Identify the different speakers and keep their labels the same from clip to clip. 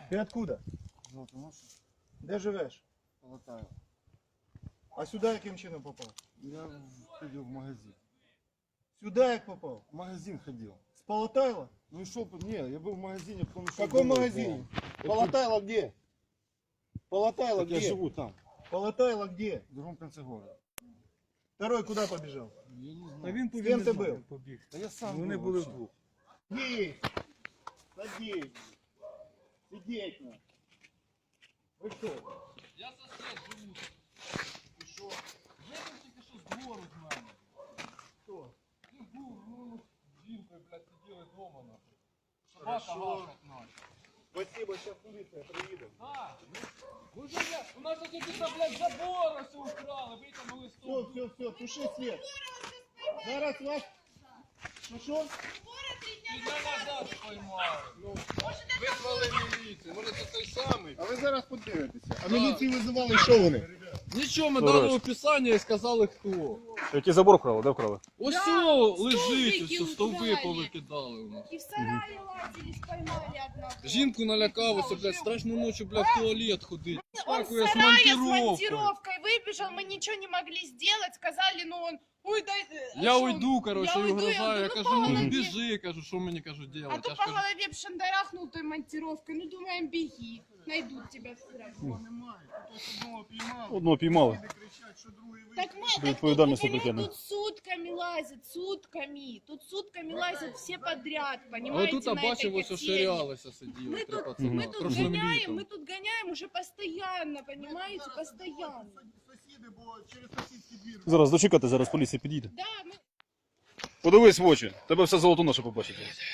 Speaker 1: Ти откуда?
Speaker 2: Золотоноша.
Speaker 1: Де живеш?
Speaker 2: Полотаю.
Speaker 1: А сюди яким чином попав?
Speaker 2: Я ходил в магазин.
Speaker 1: Сюди як попав?
Speaker 2: В магазин ходил.
Speaker 1: З Полотайла?
Speaker 2: Ну и шел, не, я был в магазине, потом
Speaker 1: В
Speaker 2: шел
Speaker 1: каком
Speaker 2: домой,
Speaker 1: магазине?
Speaker 2: да.
Speaker 1: Полотайло где? Полотайло
Speaker 2: Так я
Speaker 1: где?
Speaker 2: живу там,
Speaker 1: Полотайло где?
Speaker 2: в другом конце города.
Speaker 1: Второй куда побежал?
Speaker 2: Я не
Speaker 3: Та
Speaker 2: знаю.
Speaker 3: він
Speaker 1: З ким ти
Speaker 3: знає,
Speaker 1: був?
Speaker 3: побіг.
Speaker 2: Да я сам
Speaker 3: Вони
Speaker 2: был
Speaker 3: були
Speaker 2: вообще.
Speaker 3: вдвох.
Speaker 1: Сидеть! Сидеть! Сидеть! на. Ви що?
Speaker 4: Я сосед живу.
Speaker 1: І що?
Speaker 4: Вийшов тільки що з двору з мене.
Speaker 1: Хто?
Speaker 4: Ну, був, з жінкою, блядь, сиділи вдома, нахуй. Собака
Speaker 1: Хорошо.
Speaker 4: гавкать, нахуй.
Speaker 1: Спасибо, зараз поліція приїде.
Speaker 4: Так, ну вже я, у нас тут якісь, блядь, забори все украли, витягнули
Speaker 1: Все,
Speaker 4: стовп.
Speaker 1: все, туши свет. Зараз вас... Ну що?
Speaker 4: Піде назад споймали. Визвали міліцію, може це той самий.
Speaker 1: А ви зараз подивитеся. А міліцію визивали, що вони?
Speaker 4: Нічого, ми дали описання і сказали хто.
Speaker 3: Який забор вкрали? Де вкрали?
Speaker 4: Ось
Speaker 5: Да,
Speaker 4: село лежить,
Speaker 5: стовбики
Speaker 4: ось стовби
Speaker 5: украли.
Speaker 4: повикидали у нас.
Speaker 5: И в сарае лазили, поймали одного.
Speaker 4: Жінку налякалося, блядь, страшно ночі, блядь, в туалет ходить.
Speaker 5: Он в
Speaker 4: Паркує з
Speaker 5: сарае с
Speaker 4: монтировкою.
Speaker 5: монтировкой выбежал, мы ничего не могли сделать, сказали, ну он, ой, дай...
Speaker 4: Я
Speaker 5: что
Speaker 4: уйду,
Speaker 5: он?
Speaker 4: короче,
Speaker 5: Я
Speaker 4: і
Speaker 5: уйду,
Speaker 4: угрожаю. Я
Speaker 5: ну,
Speaker 4: кажу,
Speaker 5: по
Speaker 4: ну не
Speaker 5: голове.
Speaker 4: біжи, кажу, що мені кажу
Speaker 5: А
Speaker 4: делать.
Speaker 5: то
Speaker 4: Я ж
Speaker 5: по
Speaker 4: кажу,
Speaker 5: голове б шандарахнул той монтировкой, ну думаем, беги, найдут тебя все равно.
Speaker 3: Одного піймали.
Speaker 1: Не кричать, що другий вийшов.
Speaker 5: Так мы,
Speaker 3: До
Speaker 5: так
Speaker 3: відповідальності
Speaker 5: тут,
Speaker 3: притягнуть.
Speaker 5: тут сутками лазят, сутками, тут сутками лазят все подряд,
Speaker 4: а
Speaker 5: понимаете,
Speaker 4: отут
Speaker 5: на
Speaker 4: бачив,
Speaker 5: этой
Speaker 4: ось
Speaker 5: котельне.
Speaker 4: оширялися сиділи,
Speaker 5: Мы
Speaker 4: три
Speaker 5: тут,
Speaker 4: пацана.
Speaker 5: мы тут
Speaker 4: Прошлым
Speaker 5: гоняем,
Speaker 4: літом.
Speaker 5: мы тут гоняем уже постоянно, понимаете, постоянно.
Speaker 1: Сусіди, бо через сусідський двір.
Speaker 3: Зараз дочекати, зараз поліція підійде.
Speaker 5: Да, мы...
Speaker 3: Подивись в очі, тебе все Золотоноша побачить.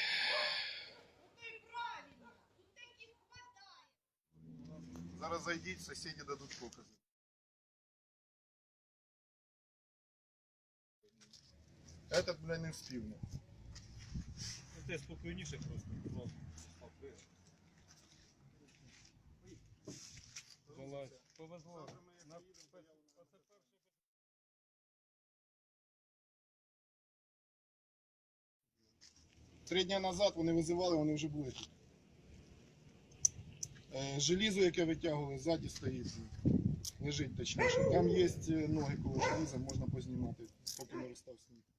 Speaker 1: Зараз зайдіть, сусіди дадуть покази. Этот, бля, не встиг.
Speaker 3: Ти спокійніше просто.
Speaker 4: Повезло.
Speaker 1: 3 дні назад вони визивали, вони вже були тут. Желізо, яке витягували, ззаді стоїть. Лежить точніше. Там є ноги коло желіза, можна познімати, поки не розстав сніг.